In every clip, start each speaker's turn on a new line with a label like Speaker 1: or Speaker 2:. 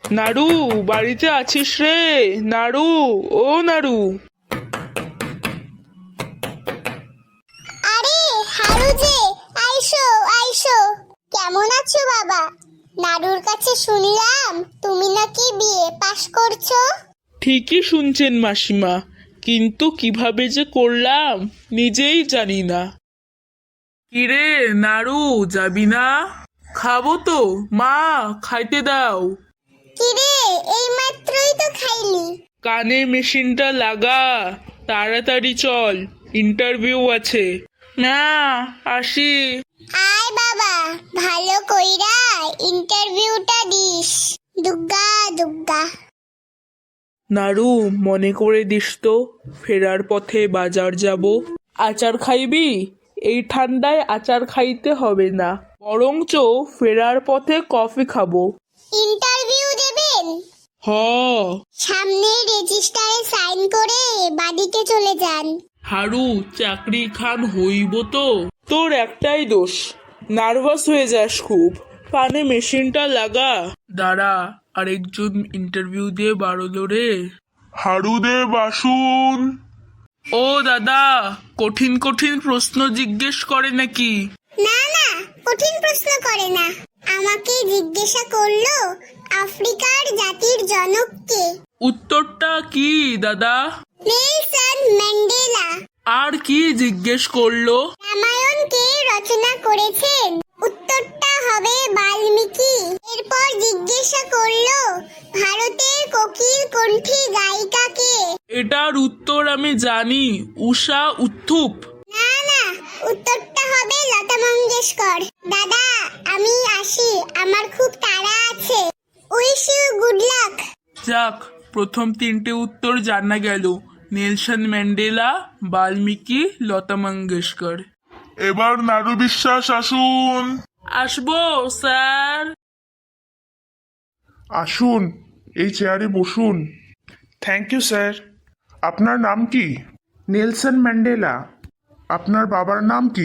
Speaker 1: নাড়ু, বাড়িতে আছিস রে? নাড়ু, ও নাড়ু।
Speaker 2: আরে হারু যে, আইসো আইসো। কেমন আছো বাবা? নাড়ুর কাছে শুনলাম তুমি নাকি বিয়ে পাশ করছো।
Speaker 1: ঠিকই শুনছেন মাসিমা, কিন্তু কিভাবে যে করলাম নিজেই জানি না। কিরে নাড়ু, যাবি না? খাবো তো মা, খাইতে দাও।
Speaker 2: কিরে, এই মাত্রই তো খাইলি।
Speaker 1: কানে মেশিনটা লাগা, তাড়াতাড়ি চল, ইন্টারভিউ আছে। না, আসি।
Speaker 2: আয় বাবা, ভালো কইরা ইন্টারভিউটা দিস। দুগ্গা দুগ্গা।
Speaker 1: নাড়ু, মনে করে দিস তো, ফেরার পথে বাজার যাব। আচার খাইবি? এই ঠান্ডায় আচার খাইতে হবে না, বরঞ্চ ফেরার পথে কফি খাবো।
Speaker 2: ইন্টারভিউ দেবেন?
Speaker 1: হ।
Speaker 2: সামনে রেজিস্টারে সাইন করে বাড়িতে চলে যান।
Speaker 1: হারু, চাকরি খান হইব তো? তোর একটাই দোষ, নার্ভাস হয়ে যাস খুব। কানে মেশিনটা লাগা। দাঁড়া, আরেকজন ইন্টারভিউ দিয়ে বাড়লো রে। হারুদেব আসুন। ও দাদা, কঠিন কঠিন প্রশ্ন জিজ্ঞেস করে নাকি?
Speaker 2: না না, কঠিন প্রশ্ন করে না। আমাকে জিজ্ঞাসা করলো আফ্রিকার জাতির জনক কে।
Speaker 1: উত্তরটা কি দাদা?
Speaker 2: Nelson Mandela.
Speaker 1: আর কি জিজ্ঞেস করলো?
Speaker 2: রামায়ণ কে রচনা করেছেন? উত্তরটা হবে বাল্মীকি। এরপর জিজ্ঞাসা করলো ভারতের কোকিল কণ্ঠী গায়িকা কে।
Speaker 1: এটার উত্তর আমি জানি, উষা উত্থুপ।
Speaker 2: না না, উত্তরটা হবে লতা মঙ্গেশকর। দাদা আমি আসি, আমার খুব তাড়া আছে। Wish you good luck.
Speaker 1: যাক, প্রথম তিনটে উত্তর জানা গেল। Nelson Mandela, Valmiki, Lata Mangeshkar.
Speaker 3: এবার নাড়ু বিশ্বাস আসুন।
Speaker 1: আসবো স্যার।
Speaker 3: আসুন, এই চেয়ারে বসুন।
Speaker 4: Thank you sir.
Speaker 3: আপনার নাম কি?
Speaker 4: Nelson Mandela.
Speaker 3: আপনার বাবার নাম কি?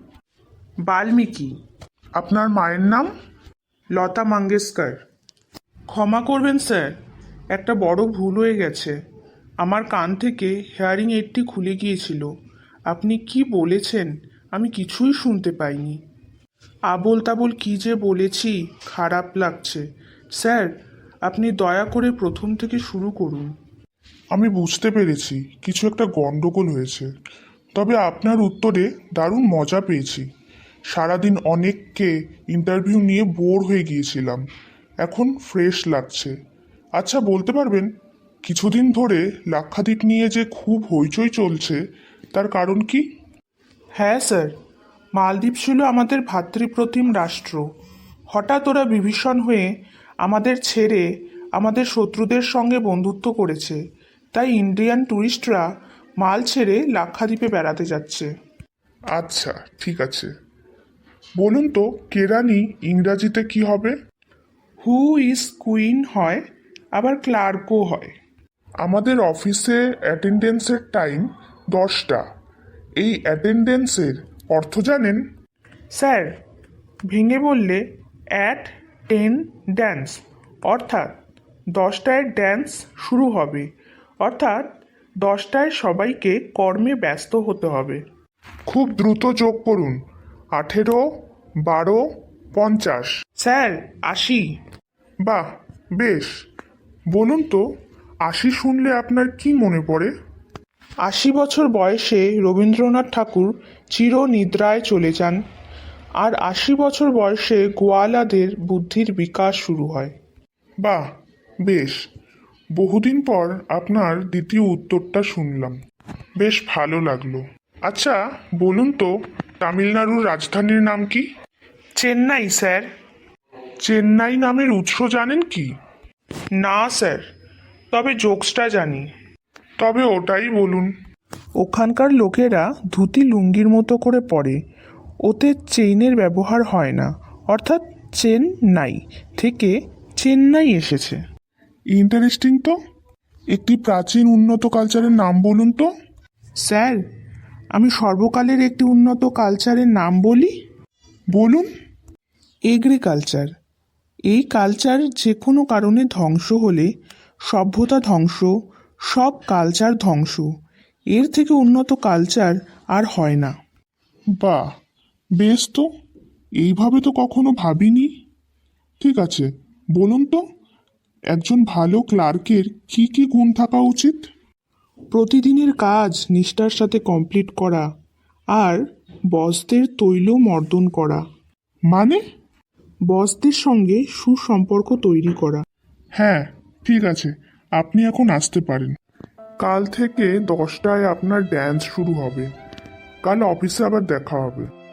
Speaker 4: বাল্মীকি।
Speaker 3: আপনার মায়ের নাম?
Speaker 4: লতা মঙ্গেশকর। ক্ষমা করবেন স্যার, একটা বড় ভুল হয়ে গেছে। আমার কান থেকে হেয়ারিং এইডটি খুলে গিয়েছিল। আপনি কি বলেছেন আমি কিছুই শুনতে পাইনি। আবোল তাবোল কি যে বলেছি, খারাপ লাগছে। স্যার, আপনি দয়া করে প্রথম থেকে শুরু করুন।
Speaker 3: আমি বুঝতে পেরেছি কিছু একটা গন্ডগোল হয়েছে, তবে আপনার উত্তরে দারুণ মজা পেয়েছি। সারাদিন অনেককে ইন্টারভিউ নিয়ে বোর হয়ে গিয়েছিলাম, এখন ফ্রেশ লাগছে। আচ্ছা, বলতে পারবেন কিছুদিন ধরে লাক্ষাদ্বীপ নিয়ে যে খুব হইচই চলছে, তার কারণ কি?
Speaker 4: হ্যাঁ স্যার, মালদ্বীপ ছিল আমাদের ভ্রাতৃপ্রতিম রাষ্ট্র। হঠাৎ ওরা বিভীষণ হয়ে আমাদের ছেড়ে আমাদের শত্রুদের সঙ্গে বন্ধুত্ব করেছে। তাই ইন্ডিয়ান ট্যুরিস্টরা মাল ছেড়ে লাক্ষাদ্বীপে বেড়াতে যাচ্ছে।
Speaker 3: আচ্ছা, ঠিক আছে। বলুন তো, কেরানি ইংরাজিতে কি হবে?
Speaker 4: হু ইজ কুইন হয়, আবার ক্লার্কও হয়।
Speaker 3: আমাদের অফিসে অ্যাটেন্ডেন্সের টাইম 10টা। এই অ্যাটেন্ডেন্সের অর্থ জানেন?
Speaker 4: স্যার, ভেঙে বললে অ্যাট 10 ড্যান্স, অর্থাৎ 10টায় ড্যান্স শুরু হবে, অর্থাৎ 10টায় সবাইকে কর্মে ব্যস্ত হতে হবে।
Speaker 3: খুব দ্রুত যোগ করুন। 18, 12, 50।
Speaker 4: স্যার, 80।
Speaker 3: বাহ, বেশ। বলুন তো, 80 শুনলে আপনার কি মনে পড়ে?
Speaker 4: 80 বছর বয়সে রবীন্দ্রনাথ ঠাকুর চিরনিদ্রায় চলে যান, আর 80 বছর বয়সে গোয়ালাদের বুদ্ধির বিকাশ শুরু হয়।
Speaker 3: বাহ, বেশ। বহুদিন পর আপনার দ্বিতীয় উত্তরটা শুনলাম, বেশ ভালো লাগলো। আচ্ছা, বলুন তো, তামিলনাড়ুর রাজধানীর নাম কি?
Speaker 4: চেন্নাই স্যার।
Speaker 3: চেন্নাই নামের উৎস জানেন কি?
Speaker 4: না স্যার, তবে জোকসটা জানি।
Speaker 3: তবে ওটাই বলুন।
Speaker 4: ওখানকার লোকেরা ধুতি লুঙ্গির মতো করে পরে, ওতে চেইনের ব্যবহার হয় না, অর্থাৎ চেন্নাই থেকে চেন্নাই এসেছে।
Speaker 3: ইন্টারেস্টিং তো। একটি প্রাচীন উন্নত কালচারের নাম বলুন তো।
Speaker 4: স্যার, আমি সর্বকালের একটি উন্নত কালচারের নাম বলি।
Speaker 3: বলুন।
Speaker 4: এগ্রিকালচার। এই কালচার যে কোনো কারণে ধ্বংস হলে সভ্যতা ধ্বংস, সব কালচার ধ্বংস। এর থেকে উন্নত কালচার আর হয় না।
Speaker 3: বাহ, বেশ তো, এইভাবে তো কখনো ভাবিনি। ঠিক আছে, বলুন তো, একজন ভালো ক্লার্কের কি কি গুণ থাকা উচিত?
Speaker 4: প্রতিদিনের কাজ নিষ্ঠার সাথে কমপ্লিট করা, আর বসদের তৈল মর্দন করা।
Speaker 3: মানে?
Speaker 4: বসদের সঙ্গে সুসম্পর্ক তৈরি করা।
Speaker 3: হ্যাঁ, ঠিক আছে, আপনি এখন আসতে পারেন। কাল থেকে 10টায় আপনার ড্যান্স শুরু হবে। কাল অফিসে আবার দেখা হবে।